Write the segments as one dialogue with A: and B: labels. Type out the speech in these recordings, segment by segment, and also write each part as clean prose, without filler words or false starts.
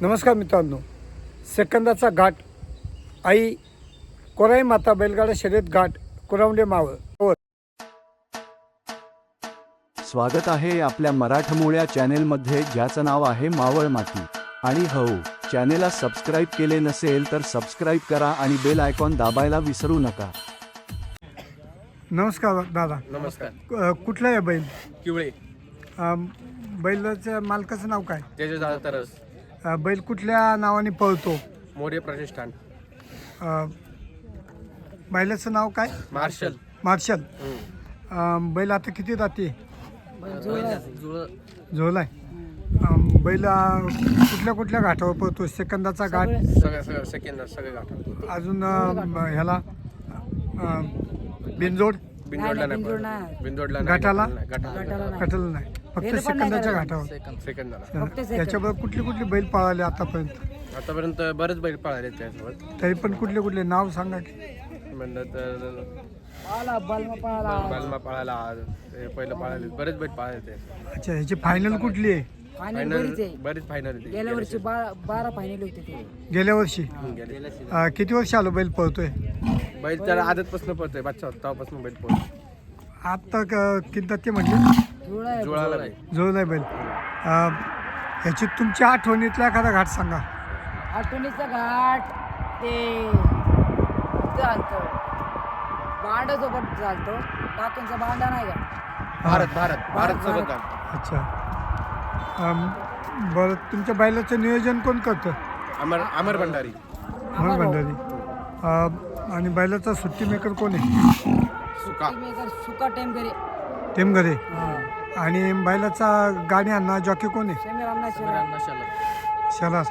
A: नमस्कार मित्रांनो, सेकंदाचा घाट आई कोराई माता बैलगाडा शर्यत घाट कुरावंडे मावळ.
B: स्वागत आहे आपल्या मराठमोळ्या चॅनेलमध्ये, ज्याचं नाव आहे मावळ माती. आणि हो, चॅनेलला सबस्क्राईब केले नसेल तर सबस्क्राईब करा आणि बेल आयकॉन दाबायला विसरू नका.
A: नमस्कार दादा.
C: नमस्कार.
A: कुठला आहे बैल?
C: किवळे.
A: बैलाच्या मालकाचं नाव काय?
C: तेजस तरस.
A: बैल कुठल्या नावाने पळतो?
C: मोरे प्रतिष्ठान.
A: बैलाचं नाव काय?
C: मार्शल.
A: मार्शल. बैल आता किती जाते? झोलाय. बैल कुठल्या कुठल्या घाटावर पळतो? सेकंदाचा घाट,
C: सगळं सेकंद सगळे गाठ.
A: अजून ह्याला बिनजोड
C: बिंदोडला नाही. बिंदोडला
A: गटाला?
C: गटाला
A: कटल नाही, फक्त सेकंदाच्या घाटावर.
C: सेकंदाला.
A: याच्याबरोबर कुठले कुठले बैल पळाले आतापर्यंत?
C: आतापर्यंत बरेच बैल पळाले त्यासोबत.
A: तरी पण कुठले कुठले नाव सांगा की.
C: म्हणलं तर बालमा पळाला, ते पहिलं पळाले बरेच बैल पळाले ते.
A: अच्छा, ह्याची फायनल कुठली आहे?
C: फायनल बरेच फायनल
D: गेल्या वर्षी 12 फायनल होते ते.
A: गेल्या वर्षी? किती वर्ष आलो बैल पळतोय?
C: बैल तर आदतपासून पळतोय, बच्चा तेव्हापासून बैल पळतोय.
A: आता किती ते म्हटले?
C: जुळाला बैल.
A: जोड आहे बैल. ह्याची तुमच्या आठवणीतला एखादा घाट सांगा.
D: आठवणीचा घाट ते चालतो बांडा सोबत चालतो. टाकेंचा बांडा नाही का?
C: भारत सोबत झालं.
A: अच्छा. बरं, तुमच्या बैलाचं नियोजन कोण करतं?
C: अमर भंडारी.
A: म्हणून भंडारी. आणि बैलाचा सुट्टी मेकर कोण आहे?
D: सुका टाइम करे
A: टेमघरे. आणि बैलाचा गाडी आणणार जॉकी कोण आहे? शलास.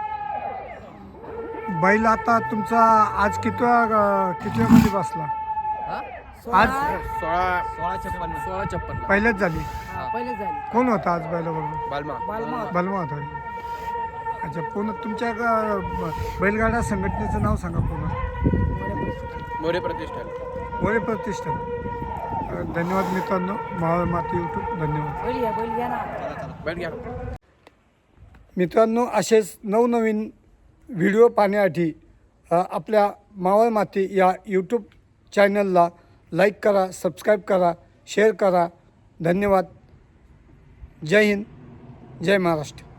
A: बैल आता तुमचा आज कितव्यामध्ये बसला? आज
C: 16-56.
A: पहिल्याच झाली.
D: पहिले झाले.
A: कोण होता आज बैलाबरोबर?
C: बालमा.
A: बलमा होता. अच्छा, पूर्ण तुमच्या बैलगाडा संघटनेचं नाव सांगा पूर्ण.
C: मोरे प्रतिष्ठान.
A: मोरे प्रतिष्ठान. धन्यवाद मित्रांनो. मावळ माती यूट्यूब. धन्यवाद.
D: बैल घ्या ना.
C: बैल घ्या.
A: मित्रांनो, असेच नवनवीन व्हिडिओ पाहण्यासाठी आपल्या मावळ माती या यूट्यूब चॅनलला लाईक करा, सबस्क्राईब करा, शेअर करा. धन्यवाद. जय हिंद, जय महाराष्ट्र.